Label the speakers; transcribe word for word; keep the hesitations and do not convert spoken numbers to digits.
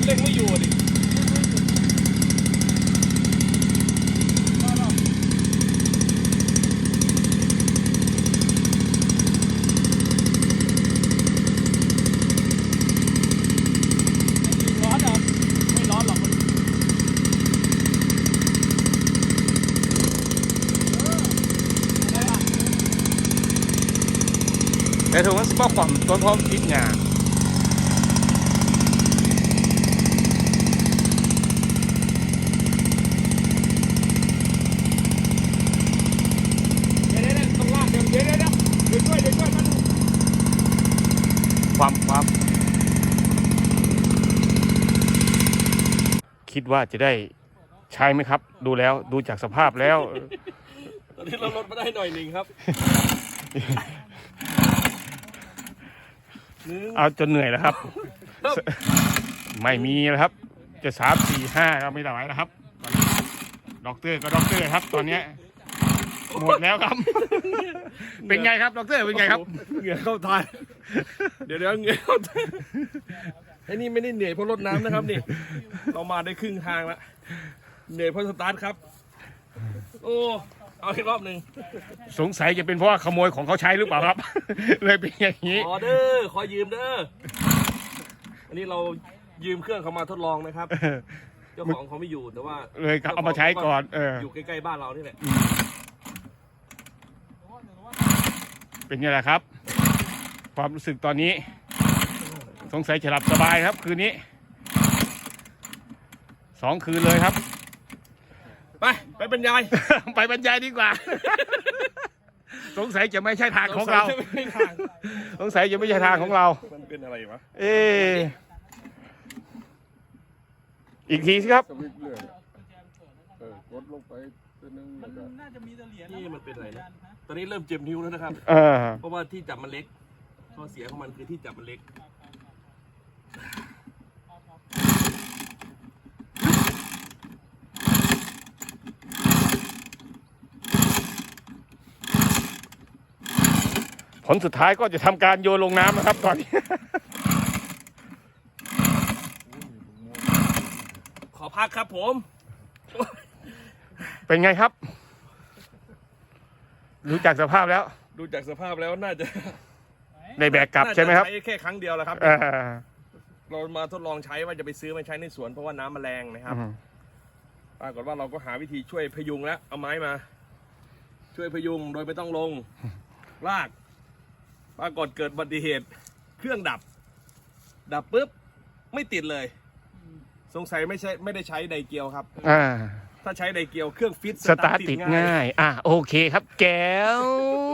Speaker 1: เร่งไม่อยู่ดิร้อนเหรอไม่ร้อนหรอก
Speaker 2: แต่ถุงมันสปอร์ตความต้นพร้อมคิดงานความความคิดว่าจะได้ใช้ไหมครับดูแล้วดูจากสภาพแล้ว
Speaker 1: ตอนนี้เราลดมาได้หน่อยหนึ่งครับ
Speaker 2: เอาจนเหนื่อยแล้วครับ ไม่มีแล้วครับจะสามสี่ห้าก็ไม่ไหวแล้วครับด็อกเตอร์ก็ด็อกเตอร์ครับตอนนี้หมดแล้วครับ เป็นไงครับด็อกเตอร์เป็นไงครับ
Speaker 1: เหงื่อเข้าตาเดี๋ยวเดี๋ยวเหงื่อเข้าตาไอ้นี่ไม่ได้เหนื่อยเพราะรดน้ำนะครับนี่เรามาได้ครึ่งทางแล้วเหนื่อยเพราะสตาร์ทครับโอ้เอาอีกรอบหนึ่ง
Speaker 2: สงสัยจะเป็นเพราะว่าขโมยของเขาใช้หรือเปล่าครับ เลยเป็นอย่างนี้
Speaker 1: ขอเด้อขอยืมเด้ออันนี้เรายืมเครื่องเขามาทดลองนะครับเจ้าของเขาไม่อยู่แต่ว่า
Speaker 2: เลยเอามาใช้ก่อนเออ
Speaker 1: อยู่ใกล้ๆบ้านเรานี่แหละ
Speaker 2: เป็นไงล่ะครับความรู้สึกตอนนี้สงสัยจะหลับสบายครับคืนนี้สองคืนเลยครับ
Speaker 1: ไปไปบรรยาย
Speaker 2: ไปบรรยายดีกว่า สงสัยจะไม่ใช่ทางของเราสงสัยจะไม่ใช่ทางของเรา
Speaker 1: มันเป็นอะไรวะ
Speaker 2: เอออีกทีสิครับ
Speaker 3: สวิตช์เลื่อนเออกดลงไปตัวนึงแล้วก็
Speaker 4: น่าจะมีเหรียญ
Speaker 1: นี่มันเป็นอะไรนะตอนนี้เริ่มเจ็บนิ้วแล้วนะครับ
Speaker 2: เออ
Speaker 1: เพราะว่าที่จับมันเล็กข้อเสียของมันคือที่จับมันเล็ก
Speaker 2: ผลสุดท้ายก็จะทำการโยนลงน้ำนะครับตอนนี้
Speaker 1: ขอพักครับผม
Speaker 2: เป็นไงครับรู้จักสภาพแล้ว
Speaker 1: ดูจากสภาพแล้วน่าจะ
Speaker 2: ในแบกกลับใช่ไหมครับ
Speaker 1: น่าจะใช้แค่ครั้งเดียวแหละครับ
Speaker 2: เออ
Speaker 1: เรามาทดลองใช้ว่าจะไปซื้อมาใช้ในสวนเพราะว่าน้ำมันแรงนะครับปรากฏว่าเราก็หาวิธีช่วยพยุงแล้วเอาไม้มา ช่วยพยุงโดยไม่ต้องลงลากปรากฏเกิดอุบัติเหตุ เครื่องดับ ดับปุ๊บไม่ติดเลย สงสัยไม่ใช่ไม่ได้ใช้ไดเกียวครับ
Speaker 2: อ่า
Speaker 1: ถ้าใช้ไดเกียวเครื่องฟิต
Speaker 2: สตาร์ทติดง่าย อ่ะโอเคครับแก้ว